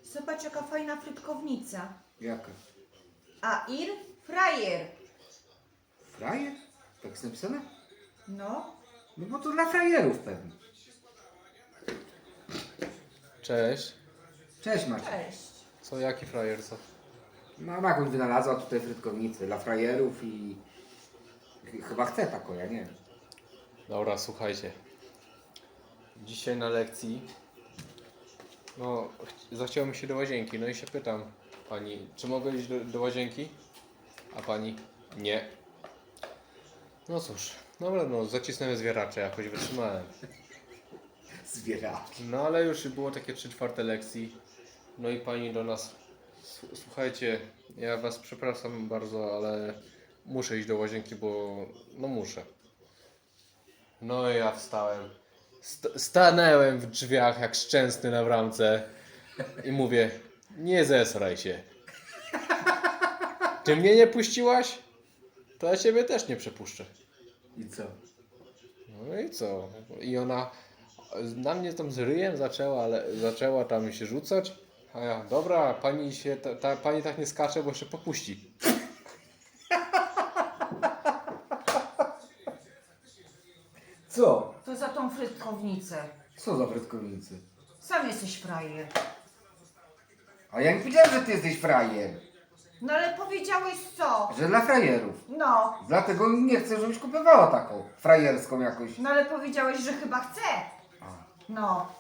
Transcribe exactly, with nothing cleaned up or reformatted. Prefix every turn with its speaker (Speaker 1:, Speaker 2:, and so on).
Speaker 1: Zobacz, jaka fajna frytkownica.
Speaker 2: Jaka?
Speaker 1: Air fryer.
Speaker 2: Frajer? Tak jest napisane?
Speaker 1: No.
Speaker 2: No bo to dla frajerów pewnie.
Speaker 3: Cześć.
Speaker 2: Cześć Maciek.
Speaker 1: Cześć.
Speaker 3: Co, jaki frajer, co?
Speaker 2: Mama jakąś wynalazła tutaj frytkownicę dla frajerów i... ch- Chyba chce taką, ja nie wiem.
Speaker 3: Dobra, słuchajcie. Dzisiaj na lekcji, no, ch- zachciało mi się do łazienki, no i się pytam pani, czy mogę iść do, do łazienki? A pani, nie. No cóż, dobra, no, zacisnąłem zwieracze, jakoś wytrzymałem.
Speaker 2: Zwieracz.
Speaker 3: No ale już było takie trzy czwarte lekcji, no i pani do nas, "S- słuchajcie, ja was przepraszam bardzo, ale muszę iść do łazienki, bo, no muszę. No i ja wstałem. St stanęłem w drzwiach jak szczęsny na bramce i mówię, nie zesraj się. Ty mnie nie puściłaś? To ja ciebie też nie przepuszczę.
Speaker 2: I co?
Speaker 3: No i co? I ona na mnie tam z ryjem zaczęła, ale zaczęła tam się rzucać. A ja, dobra, pani się, ta, ta, pani tak nie skacze, bo jeszcze popuści.
Speaker 2: Co?
Speaker 1: To za tą frytkownicę.
Speaker 2: Co za frytkownicy?
Speaker 1: Sam jesteś frajer.
Speaker 2: A ja nie powiedziałem, że ty jesteś frajer.
Speaker 1: No ale powiedziałeś co?
Speaker 2: Że dla frajerów.
Speaker 1: No.
Speaker 2: Dlatego nie chcę, żebyś kupowała taką frajerską jakoś.
Speaker 1: No ale powiedziałeś, że chyba chce.
Speaker 2: A.
Speaker 1: No.